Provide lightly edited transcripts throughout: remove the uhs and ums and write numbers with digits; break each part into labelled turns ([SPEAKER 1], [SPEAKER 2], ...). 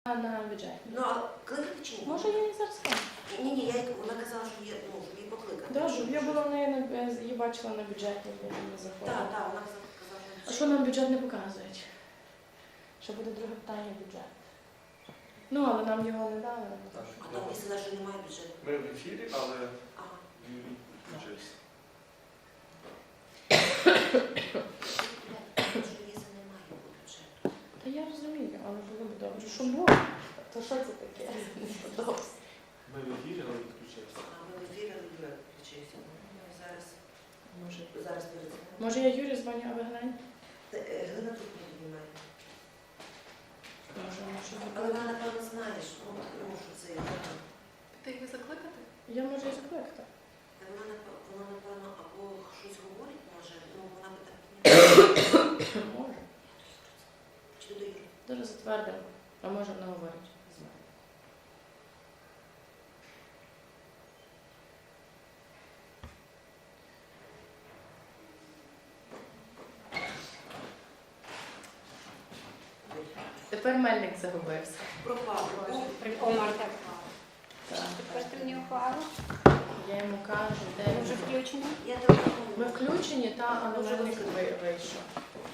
[SPEAKER 1] На бюджет.
[SPEAKER 2] Ну, а кликати чи ні?
[SPEAKER 1] Може, я їй зараз скажу.
[SPEAKER 2] Ні, вона казала, що є, ну, щоб її покликати.
[SPEAKER 1] Да, щоб я була в неї, її бачила на бюджеті, я не заходила.
[SPEAKER 2] Так, вона казала.
[SPEAKER 1] А що нам бюджет не показують? Що буде друге питання бюджет. Ну, але нам його не дали.
[SPEAKER 2] А там місце, що немає бюджету.
[SPEAKER 3] Ми в ефірі, але
[SPEAKER 2] Ага.
[SPEAKER 3] він включився.
[SPEAKER 2] Що місце немає бюджету.
[SPEAKER 1] Та я розумію, але було б добре. Що було? То що це таке?
[SPEAKER 3] Ми в ефірі, але відключився.
[SPEAKER 2] А ми в ефірі включився. Зараз перед.
[SPEAKER 1] Може я Юрі дзвоню, а ви глянь?
[SPEAKER 2] Глина тут не піднімає.
[SPEAKER 1] Може.
[SPEAKER 2] Але вона, напевно, знає, що це є.
[SPEAKER 4] Ти її закликати?
[SPEAKER 1] Я можу і закликати.
[SPEAKER 2] Вона, напевно, або щось говорить, може, ну, вона би так піднімає.
[SPEAKER 1] Може.
[SPEAKER 2] Чи до Юрі?
[SPEAKER 1] Дуже затвердимо. А може вона говорить з мене. Тепер Мельник загубився.
[SPEAKER 2] Пропав.
[SPEAKER 4] Омарка.
[SPEAKER 1] Так.
[SPEAKER 4] Тепер мені ухвалу.
[SPEAKER 1] Я йому кажу, де
[SPEAKER 4] Ми
[SPEAKER 1] він
[SPEAKER 4] вже включені.
[SPEAKER 2] Я телефоную.
[SPEAKER 1] Ми включені, але Мельник вийшов.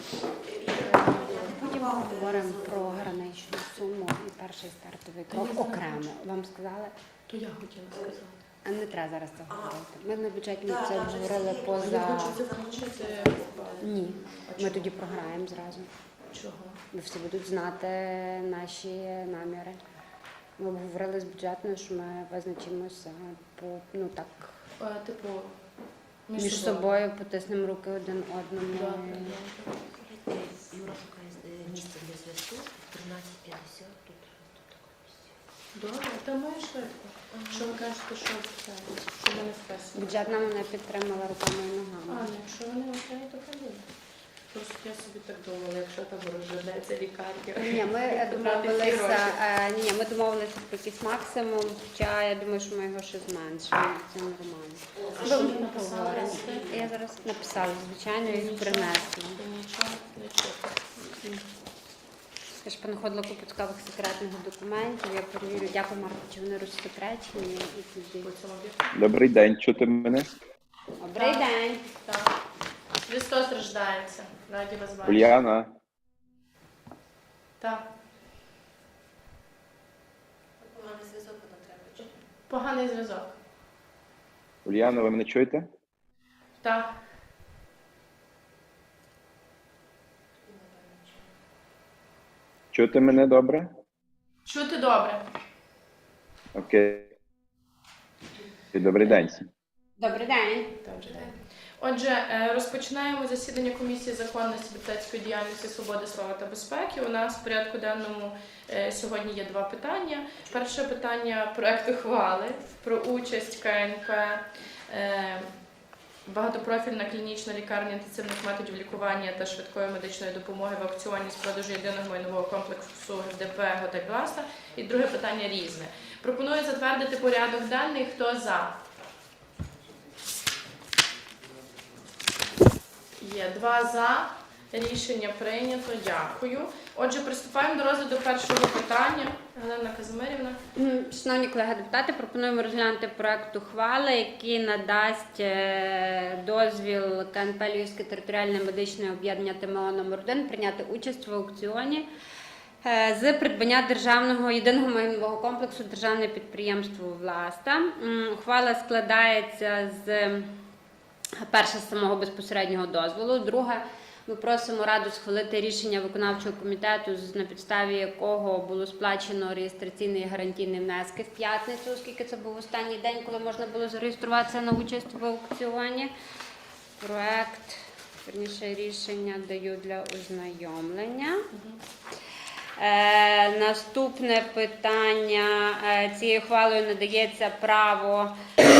[SPEAKER 4] Потім ми говоримо про граничну суму і перший стартовий крок окремо. Вам сказали?
[SPEAKER 1] То я хотіла сказати.
[SPEAKER 4] А не треба зараз це говорити. Ми на бюджетні
[SPEAKER 2] Так,
[SPEAKER 4] це
[SPEAKER 2] так,
[SPEAKER 4] обговорили
[SPEAKER 2] це
[SPEAKER 1] Я
[SPEAKER 4] поза...
[SPEAKER 1] хочу це включити.
[SPEAKER 4] Ні.
[SPEAKER 1] А
[SPEAKER 4] Ми
[SPEAKER 1] чого?
[SPEAKER 4] тоді програємо зразу.
[SPEAKER 1] Чого?
[SPEAKER 4] Ви всі будуть знати наші наміри. Ми обговорили з бюджетною, що ми визначимося по, ну так,
[SPEAKER 1] Типу,
[SPEAKER 4] між собою потиснемо руки один одному.
[SPEAKER 1] Добре.
[SPEAKER 2] Юра шукає місце для зв'язку. 13:50. Тут таке місце.
[SPEAKER 1] Добре, та ми швидко. Що ви кажете, що це? Що ми не списуємо?
[SPEAKER 4] Бюджетна мене підтримала руками і ногами.
[SPEAKER 1] А, якщо вони окей, то хай буде. Просто я собі так думала, якщо там розженеться лікарня.
[SPEAKER 4] Ні, ми домовилися, ми домовилися про якийсь максимум, хоча я думаю, що ми його ще зменшимо. Це нормально.
[SPEAKER 1] А що ви написали?
[SPEAKER 4] Поговоримо. Я зараз написала, звичайно, і їх принесла.
[SPEAKER 1] Нічого не чути.
[SPEAKER 4] Я ж понаходила купу цікавих секретних документів. Я перевірю, дякую, Марко, чи вони розсекречені. І тоді.
[SPEAKER 1] По цьому об'єкту.
[SPEAKER 5] Добрий день, чути мене?
[SPEAKER 4] Добрий день.
[SPEAKER 1] Так. Христос рождається. Раді вас бачити.
[SPEAKER 5] Уляна,
[SPEAKER 1] Так.
[SPEAKER 2] Поганий зв'язок нам треба. Чи?
[SPEAKER 1] Поганий зв'язок.
[SPEAKER 5] Уляна, ви мене чуєте?
[SPEAKER 1] Так.
[SPEAKER 5] Чути мене добре?
[SPEAKER 1] Чути добре.
[SPEAKER 5] Окей. Добрий день.
[SPEAKER 4] Добрий день.
[SPEAKER 1] Добрий день. Отже, розпочинаємо засідання комісії законності, депутатської діяльності, свободи, слова та безпеки. У нас в порядку денному сьогодні є два питання. Перше питання – проект ухвали про участь КНП багатопрофільна клінічна лікарня інтенсивних методів лікування та швидкої медичної допомоги в аукціоні з продажу єдиного майнового комплексу ДП «Готель-Гласа». І друге питання різне. Пропоную затвердити порядок денний. Хто за? Є 2 за. Рішення прийнято. Дякую. Отже, приступаємо до розгляду першого питання. Галина Казимирівна.
[SPEAKER 4] Шановні колеги депутати, пропонуємо розглянути проект ухвали, який надасть дозвіл КНП Львівське територіальне медичне об'єднання ТМО номер 1 прийняти участь в аукціоні з придбання державного єдиного майнового комплексу державне підприємство «Власта». Ухвала складається з перше з самого безпосереднього дозволу, друге ми просимо Раду схвалити рішення виконавчого комітету, на підставі якого було сплачено реєстраційний і гарантійний внески в п'ятницю, оскільки це був останній день, коли можна було зареєструватися на участь в аукціоні. Проект, верніше рішення даю для ознайомлення. Наступне питання. Цією ухвалою надається право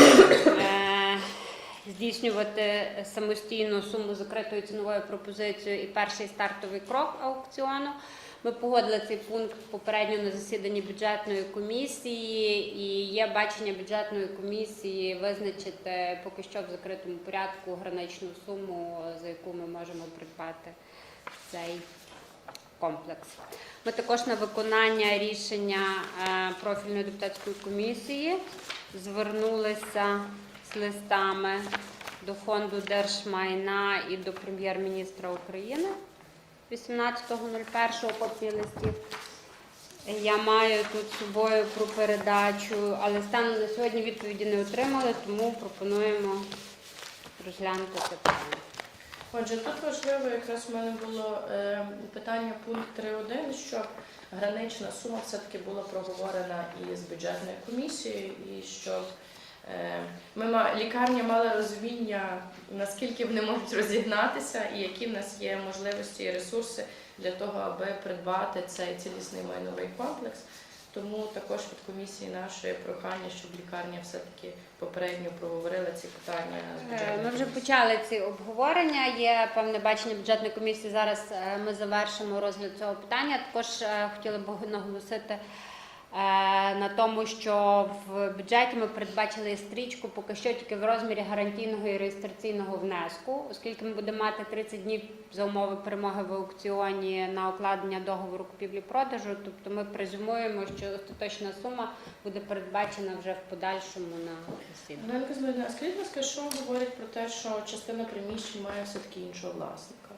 [SPEAKER 4] здійснювати самостійну суму закритою ціновою пропозицією і перший стартовий крок аукціону. Ми погодили цей пункт попередньо на засіданні бюджетної комісії, і є бачення бюджетної комісії визначити поки що в закритому порядку граничну суму, за яку ми можемо придбати цей комплекс. Ми також на виконання рішення профільної депутатської комісії звернулися з листами до Фонду держмайна і до Прем'єр-міністра України 18.01 копії листів. Я маю тут з собою про передачу, але станом на сьогодні відповіді не отримали, тому пропонуємо розглянути це питання.
[SPEAKER 1] Отже, тут важливо, якраз в мене було питання пункт 3.1, щоб гранична сума все-таки була проговорена із бюджетною комісією, і щоб лікарня мала розуміння, наскільки вони можуть розігнатися і які в нас є можливості і ресурси для того, аби придбати цей цілісний майновий комплекс. Тому також від комісії нашої прохання, щоб лікарня все-таки попередньо проговорила ці питання з бюджетною
[SPEAKER 4] Ми вже
[SPEAKER 1] комісією.
[SPEAKER 4] почали ці обговорення. Є певне бачення бюджетної комісії. Зараз ми завершимо розгляд цього питання. Також хотіла б наголосити на тому, що в бюджеті ми передбачили стрічку поки що тільки в розмірі гарантійного і реєстраційного внеску, оскільки ми будемо мати 30 днів за умови перемоги в аукціоні на укладення договору купівлі-продажу. Тобто ми презюмуємо, що остаточна сума буде передбачена вже в подальшому на засіданні.
[SPEAKER 1] Ганна Казимирівна, а скажіть, будь ласка, що говорить про те, що частина приміщень має все-таки іншого власника?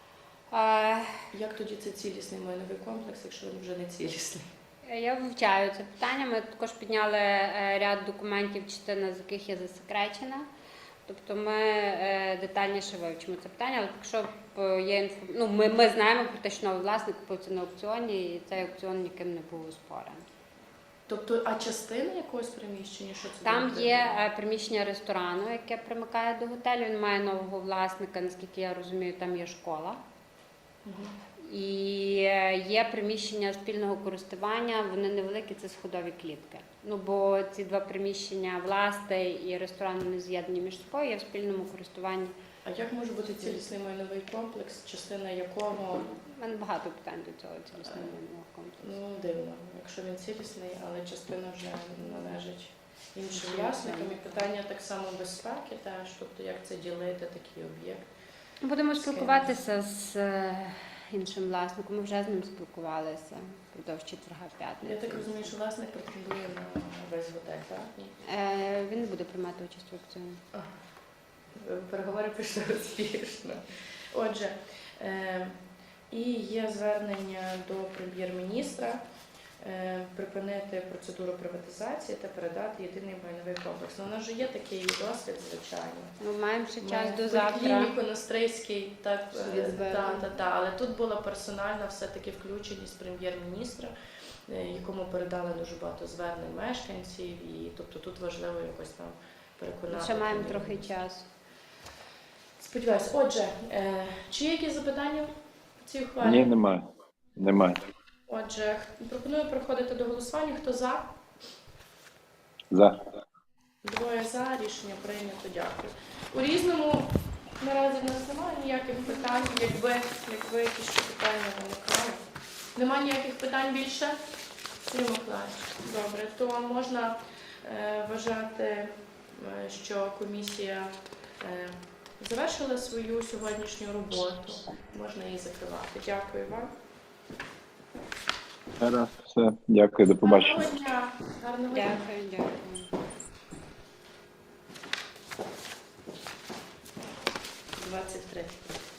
[SPEAKER 1] Як тоді це цілісний майновий комплекс, якщо він вже не цілісний?
[SPEAKER 4] Я вивчаю це питання. Ми також підняли ряд документів, частина з яких є засекречена. Тобто ми детальніше вивчимо це питання, але якщо є ми знаємо про те, що новий власник купив це на аукціоні, і цей аукціон ніким не був оспорений.
[SPEAKER 1] Тобто, а частина якогось приміщення, що це
[SPEAKER 4] Там
[SPEAKER 1] буде?
[SPEAKER 4] є приміщення ресторану, яке примикає до готелю. Він має нового власника, наскільки я розумію, там є школа.
[SPEAKER 1] Мгм.
[SPEAKER 4] І є приміщення спільного користування, вони невеликі, це сходові клітки. Бо ці два приміщення, власне і ресторан, вони з'єднані між собою, є в спільному користуванні.
[SPEAKER 1] А як може бути цілісний майновий комплекс, частина якого,
[SPEAKER 4] У мене багато питань до цього цілісного майнового комплексу.
[SPEAKER 1] ну, дивно, якщо він цілісний, але частина вже належить іншим власникам. І питання так само безпеки теж, тобто як це ділити, такий об'єкт.
[SPEAKER 4] Будемо спілкуватися з іншим власником, ми вже з ним спілкувалися впродовж четверга
[SPEAKER 1] Я
[SPEAKER 4] п'ятниці.
[SPEAKER 1] так розумію, що власник претендує на весь готель, так? Ні?
[SPEAKER 4] Він не буде приймати участь в аукціоні.
[SPEAKER 1] Переговори пішли успішно. Отже, і є звернення до прем'єр-міністра припинити процедуру приватизації та передати єдиний майновий комплекс. Ну, у нас вже є такий досвід, звичайно.
[SPEAKER 4] Маємо ще час
[SPEAKER 1] Ми
[SPEAKER 4] до
[SPEAKER 1] в
[SPEAKER 4] завтра.
[SPEAKER 1] клініку Настрийський, так,
[SPEAKER 4] Від звернення.
[SPEAKER 1] але тут була персональна все-таки включеність прем'єр-міністра, якому передали дуже багато звернень мешканців, і тобто тут важливо якось там переконати.
[SPEAKER 4] Ще маємо трохи
[SPEAKER 1] прем'єр-міністра.
[SPEAKER 4] часу.
[SPEAKER 1] Сподіваюсь. Отже, чи є якісь запитання по цій ухвалі?
[SPEAKER 5] Ні, немає. Немає.
[SPEAKER 1] Отже, пропоную переходити до голосування. Хто за?
[SPEAKER 5] За.
[SPEAKER 1] Двоє за. Рішення прийнято. Дякую. У різному наразі в нас немає ніяких питань, якби якісь ще питання виникали. Немає ніяких питань більше? Сергій Миколаївич, добре. То можна вважати, що комісія завершила свою сьогоднішню роботу. Можна її закривати. Дякую вам.
[SPEAKER 5] Зараз все. Дякую, до побачення.
[SPEAKER 1] Гарного дня. Гарного дня.
[SPEAKER 4] Дякую.
[SPEAKER 1] 23.